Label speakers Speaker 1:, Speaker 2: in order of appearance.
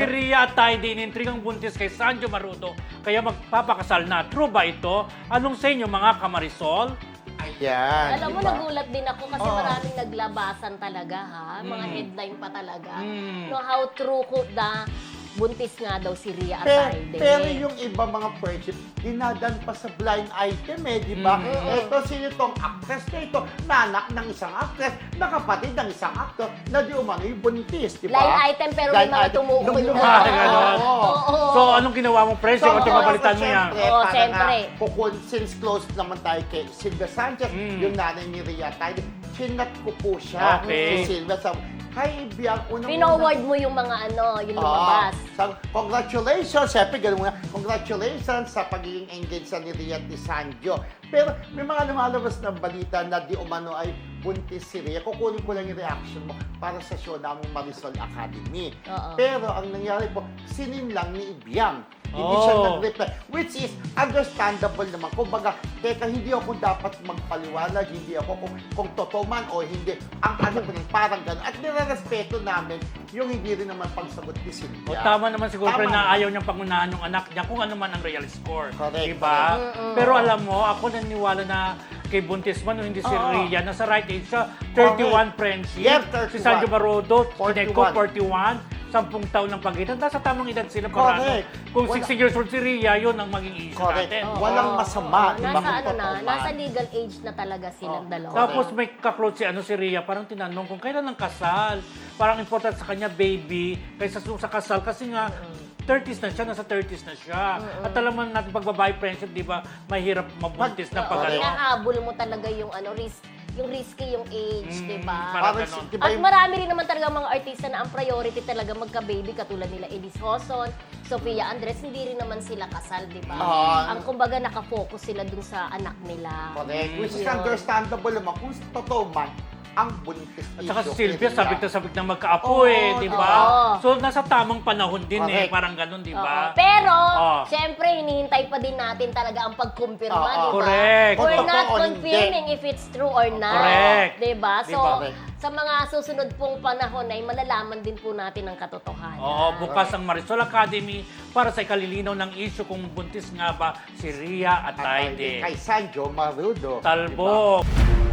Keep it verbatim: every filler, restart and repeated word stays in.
Speaker 1: Rhea at Taide inintrigang buntis kay Sanjo Marudo kaya magpapakasal na. True ba ito? Anong sa inyo mga kamarisol?
Speaker 2: Ayan.
Speaker 3: Alam mo,
Speaker 2: diba?
Speaker 3: nagulat din ako kasi
Speaker 2: Oo.
Speaker 3: maraming naglabasan talaga, ha? Mga
Speaker 1: Mm.
Speaker 3: headline pa talaga.
Speaker 1: Mm.
Speaker 3: No, how true ko na buntis nga daw si Rhea at
Speaker 2: Pero,
Speaker 3: Taide.
Speaker 2: pero yung iba mga friendship, dinadan pa sa blind item eh, di ba?
Speaker 1: Mm.
Speaker 2: Ito, sino itong actress na ito? Nanak ng isang actress, nakapatid ng isang actor, na di umano yung buntis, di ba?
Speaker 3: Line item, pero may
Speaker 2: Line
Speaker 3: mga
Speaker 2: item.
Speaker 3: tumukoy
Speaker 2: Nung
Speaker 3: na.
Speaker 2: lumaki,
Speaker 1: Ah, ganon.
Speaker 2: oo.
Speaker 3: Oo.
Speaker 1: So, anong ginawa mo, Pres? So, ito mabalitan mo yan.
Speaker 2: syempre,
Speaker 3: Oo,
Speaker 2: para
Speaker 3: syempre.
Speaker 2: nga, kukun, since close naman tayo kay Silvia Sanchez,
Speaker 1: Mm.
Speaker 2: yung nanay ni Rhea Taide, chinat ko po siya
Speaker 1: Okay.
Speaker 2: si Silvia. Sa, Hi, Biang, unang
Speaker 3: Pinoward mo yung mga ano, yung lumabas.
Speaker 2: Ah, so, congratulations, syempre, ganun nga. Congratulations sa pagiging engaged sa ni Rhea at ni Sanjo. Pero may mga lumalabas na balita na di umano ay buntis si Rhea. Kukunin ko lang yung reaction mo para sa show naming Marisol Academy.
Speaker 3: Oo.
Speaker 2: Pero ang nangyari po, sinin lang ni Ibiang. Hindi siya
Speaker 1: Oh.
Speaker 2: nag-reply. Which is understandable naman. Kumbaga, teka, hindi ako dapat magpaliwanag, hindi ako kung, kung totoo man o hindi. Ang ano ko rin, parang gano'n. At nirerespeto namin yung hindi rin naman pagsagot ni
Speaker 1: O,
Speaker 2: Sylvia.
Speaker 1: tama naman siguro,
Speaker 2: Tama
Speaker 1: Pre, na
Speaker 2: naman.
Speaker 1: ayaw niyang pangunahan ng anak niya kung ano man ang real score.
Speaker 2: Correct,
Speaker 1: Diba?
Speaker 3: correct.
Speaker 1: Pero alam mo, ako naniniwala na kay buntis man o hindi si
Speaker 2: Oo.
Speaker 1: Rhea, nasa right age siya, thirty-one friendship.
Speaker 2: Yes, thirty-one.
Speaker 1: Si Sanjo Marudo,
Speaker 2: forty-one.
Speaker 1: Kineko, forty-one. Sampung taon ng pagitan. Nasa tamang edad sila para ano.
Speaker 2: Correct.
Speaker 1: Kung
Speaker 2: Wala-
Speaker 1: sixty years old si Rhea, yun ang maging issue
Speaker 2: Correct.
Speaker 1: natin.
Speaker 3: Oo.
Speaker 2: Walang masama,
Speaker 3: Oo.
Speaker 2: di ba?
Speaker 3: Nasa
Speaker 2: Kung
Speaker 3: ano na,
Speaker 2: totoo man.
Speaker 3: nasa legal age na talaga silang
Speaker 2: Oo.
Speaker 3: dalawa.
Speaker 1: Tapos may kaklot si ano si Rhea, parang tinanong kung kailan ang kasal. Parang important sa kanya baby kaysa sa sa kasal kasi nga thirties na siya, nasa thirties na siya. At alam mo natin pagbabae friendship, di ba, mahirap mabuntis na
Speaker 3: Oo,
Speaker 1: pag ano.
Speaker 3: hinahabol mo talaga yung ano, risk, yung risky yung age,
Speaker 1: Mm,
Speaker 3: di ba?
Speaker 1: parang
Speaker 2: Parang,
Speaker 1: ganon.
Speaker 2: di ba
Speaker 3: At
Speaker 2: yung-
Speaker 3: marami rin naman talaga mga artista na ang priority talaga magka-baby katulad nila Elise Hoson, Sofia Andres, hindi rin naman sila kasal, di ba?
Speaker 2: Ah.
Speaker 3: Ang kumbaga nakafocus sila dun sa anak nila.
Speaker 2: Correct. Which is
Speaker 3: Yun.
Speaker 2: understandable naman. Kung totoo man, ang buntis
Speaker 1: At saka si
Speaker 2: issue
Speaker 1: Sylvia,
Speaker 2: kay Rhea.
Speaker 1: sabik na sabik na magkaapo
Speaker 2: Oo,
Speaker 1: eh, di ba?
Speaker 3: oo.
Speaker 1: So, nasa tamang panahon din eh,
Speaker 2: Correct.
Speaker 1: parang ganun, di
Speaker 3: Oo.
Speaker 1: ba?
Speaker 3: Pero,
Speaker 1: Oo.
Speaker 3: syempre, hinihintay pa din natin talaga ang pagkumpirma,
Speaker 2: Oo.
Speaker 3: di ba?
Speaker 1: Correct.
Speaker 3: We're
Speaker 2: Kung
Speaker 3: not
Speaker 2: totoo o
Speaker 3: confirming if it's true or not.
Speaker 1: Correct.
Speaker 3: Di ba? So,
Speaker 1: Di ba?
Speaker 3: sa mga susunod pong panahon ay malalaman din po natin ang katotohanan.
Speaker 1: Oo, bukas ang Marisol Academy para sa ikalilinaw ng issue kung buntis nga ba si Rhea at
Speaker 2: At
Speaker 1: Taide.
Speaker 2: kay Sanjo Marudo.
Speaker 1: Talbog.